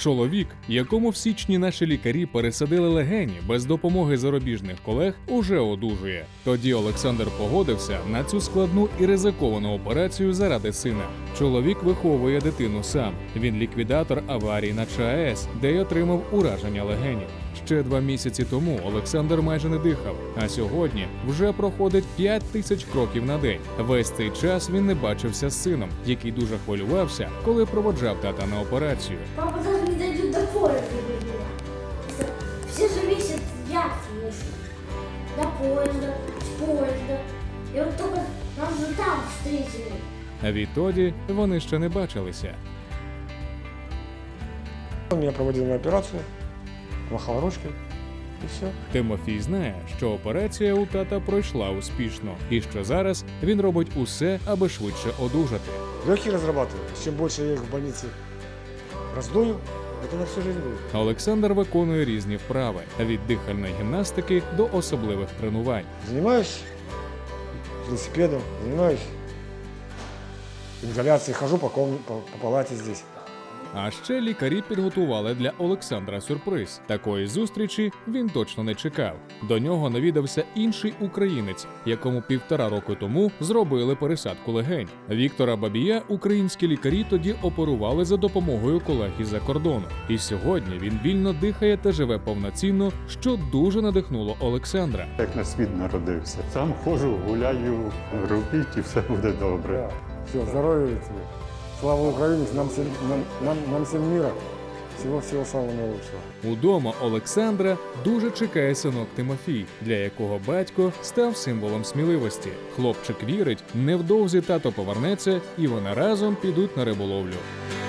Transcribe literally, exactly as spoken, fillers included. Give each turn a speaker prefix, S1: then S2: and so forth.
S1: Чоловік, якому в січні наші лікарі пересадили легені без допомоги зарубіжних колег, уже одужує. Тоді Олександр погодився на цю складну і ризиковану операцію заради сина. Чоловік виховує дитину сам. Він ліквідатор аварії на ЧАЕС, де й отримав ураження легенів. Ще два місяці тому Олександр майже не дихав, а сьогодні вже проходить п'ять тисяч кроків на день. Весь цей час він не бачився з сином, який дуже хвилювався, коли проводжав тата на операцію.
S2: Папа даже не дойдет до поезда. Все же месяц я слышу. До поезда, с поезда. И вот только нас же там встретили.
S1: А відтоді вони ще не бачилися.
S3: Он меня проводил на операцию, махал ручкой, и все.
S1: Тимофій знає, що операція у тата пройшла успішно, і що зараз він робить усе, аби швидше одужати.
S3: Легкие разрабатываю. Чем больше я их в больнице раздую, это на всю жизнь будет.
S1: Олександр виконує різні вправи – від дихальної гімнастики до особливих тренувань.
S3: Занимаюсь велосипедом, занимаюсь ингаляцией, хожу по, комнате, по, по палате здесь.
S1: А ще лікарі підготували для Олександра сюрприз. Такої зустрічі він точно не чекав. До нього навідався інший українець, якому півтора року тому зробили пересадку легень. Віктора Бабія українські лікарі тоді оперували за допомогою колег із-за кордону. І сьогодні він вільно дихає та живе повноцінно, що дуже надихнуло Олександра.
S4: Як на світ народився. Сам ходжу, гуляю, робіть і все буде добре.
S3: Все, здоровья тебе. Слава Украине, нам всем, нам, нам, нам всем мира. Всего-всего самого наилучшего.
S1: Удома Олександра дуже чекає синок Тимофій, для якого батько став символом сміливості. Хлопчик вірить, невдовзі тато повернеться і вони разом підуть на риболовлю.